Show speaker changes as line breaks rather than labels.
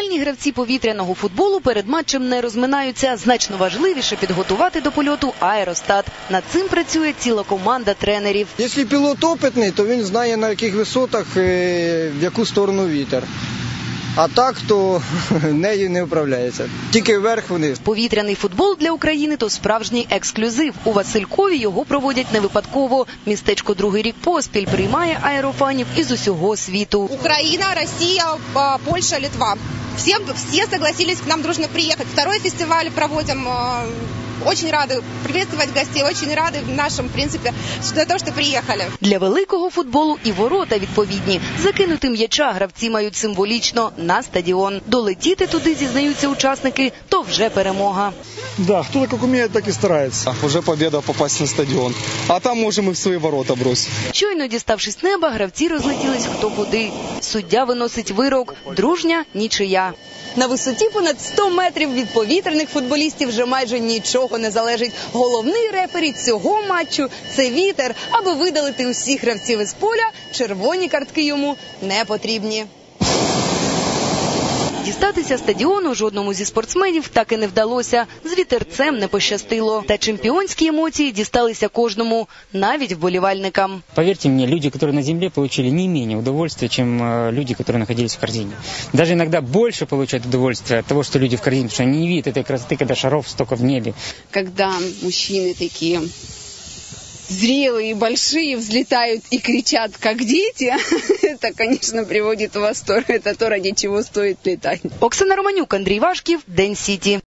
Професіональні гравці повітряного футболу перед матчем не розминаються. Значно важливіше підготувати до польоту аеростат. Над цим працює ціла команда тренерів.
Якщо пілот опитний, то він знає, на яких висотах, в яку сторону вітер. А так, то нею не управляється. Тільки вверх-вниз.
Повітряний футбол для України – то справжній ексклюзив. У Василькові його проводять не випадково. Містечко другий рік поспіль приймає аерофанів із усього світу.
Украина, Россия, Польша, Литва. Все согласились к нам дружно приехать. Второй фестиваль проводим. Очень рады приветствовать гостей, очень рады нашим, в принципе, за то, что приехали.
Для великого футболу і ворота відповідні. Закинути м'яча гравці мають символічно на стадіон. Долетіти туди, зізнаються учасники, то вже перемога.
Да, кто как умеет, так и старается.
Уже победа попасть на стадион. А там можем и в свои ворота бросить.
Щойно діставшись неба, гравці розлетілись хто куди. Суддя виносить вирок – дружня нічия. На висоті понад 100 метрів від повітряних футболістів вже майже нічого не залежить. Головний рефері цього матчу – це вітер. Аби видалити усіх гравців із поля, червоні картки йому не потрібні. Дістатися стадіону жодному зі спортсменів так і не вдалося. З вітерцем не пощастило. Та чемпіонські емоції дісталися кожному, навіть вболівальникам.
Поверьте мне, люди, которые на земле, получили не менее удовольствия, чем люди, которые находились в корзине. Даже иногда больше получают удовольствие от того, что люди в корзине, потому что они не видят этой красоты, когда шаров столько в небе.
Когда мужчины такие зрелые и большие взлетают и кричат, как дети, это, конечно, приводит в восторг. Это то, ради чего стоит летать.
Оксана Романюк, Андрій Вашків, День Сіті.